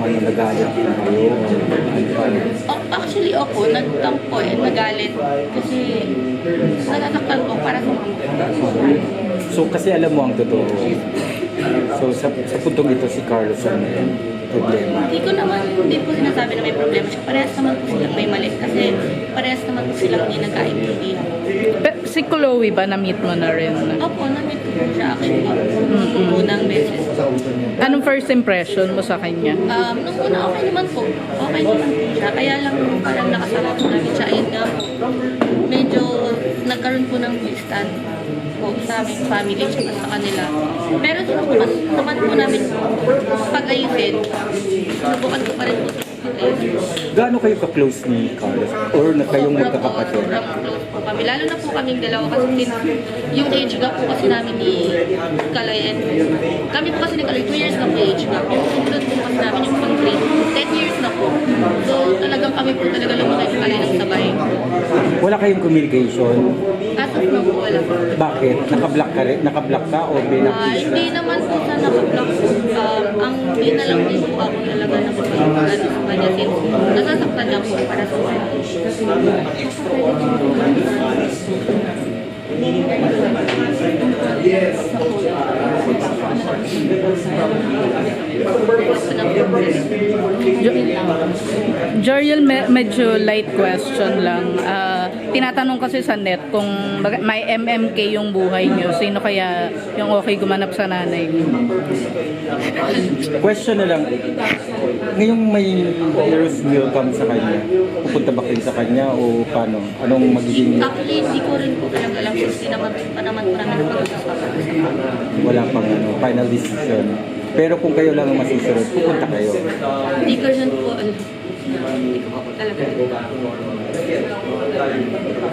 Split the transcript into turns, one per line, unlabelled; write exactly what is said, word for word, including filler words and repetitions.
ano, nagalit na kayo? Ano ba?
Oh, actually ako, nagtampo eh, nagalit. Kasi natatakpan ko para sa mama ko.
So kasi alam mo ang totoo. So sa, sa puntong ito si Carlos ang may problema.
Hindi ko naman, hindi ko sinasabi na may problema siya. Parehas naman po silang may mali. Kasi parehas naman po silang hindi nagkaintindihan.
Pe- si Chloe ba, na-meet mo na rin?
Opo, na-meet ko po siya actually. Nung unang beses.
Anong first impression mo sa kanya?
Um, nung una, okay naman po. Okay naman po siya. Kaya lang parang nakasama po namin siya. Ayun nga po. Medyo nagkaroon po ng distant po sa aming family at sa kanila. Pero sinubukan naman po namin pag-ayusin. Sinubukan ko pa rin po pag-ayusin.
Gaano kayo ka-close ni Carlos? Or na kayong
Sobrang
magkakapatid?
po, sobrang close po kami. Lalo na po kaming dalawa kasi since yung age gap po kasi namin ni Kalay and kami po kasi ni Kalay, two years na po age gap. Yung sunod po kasi namin yung pang three, ten years na po. So talagang kami po talaga lumaki ni Kalay ng sabay.
Wala kayong communication?
As of now po, wala po.
Bakit? Naka-block ka rin? Naka-block ka o
Ah,
binakis ka?
hindi naman po sa naka-block po. Um, ang hindi na lang din po ako talaga nakapag-ano sa kanya since nasasaktan lang po para sa kanya.
Joriel, me- medyo light question lang. Ah, tinatanong kasi sa net kung baga- may M M K yung buhay niyo, sino kaya yung okay gumanap sa nanay niyo?
Question na lang. Ngayong may hero's welcome sa kanya, pupunta ba kayo sa kanya o paano? Anong magiging
Actually, hindi ko rin po talaga alam kasi hindi naman pa naman po namin napag-usapan.
wala pang ano, final decision? Pero kung kayo lang ang masusunod, pupunta kayo.
Hindi ko rin po alam. Hindi ko pa po talaga alam.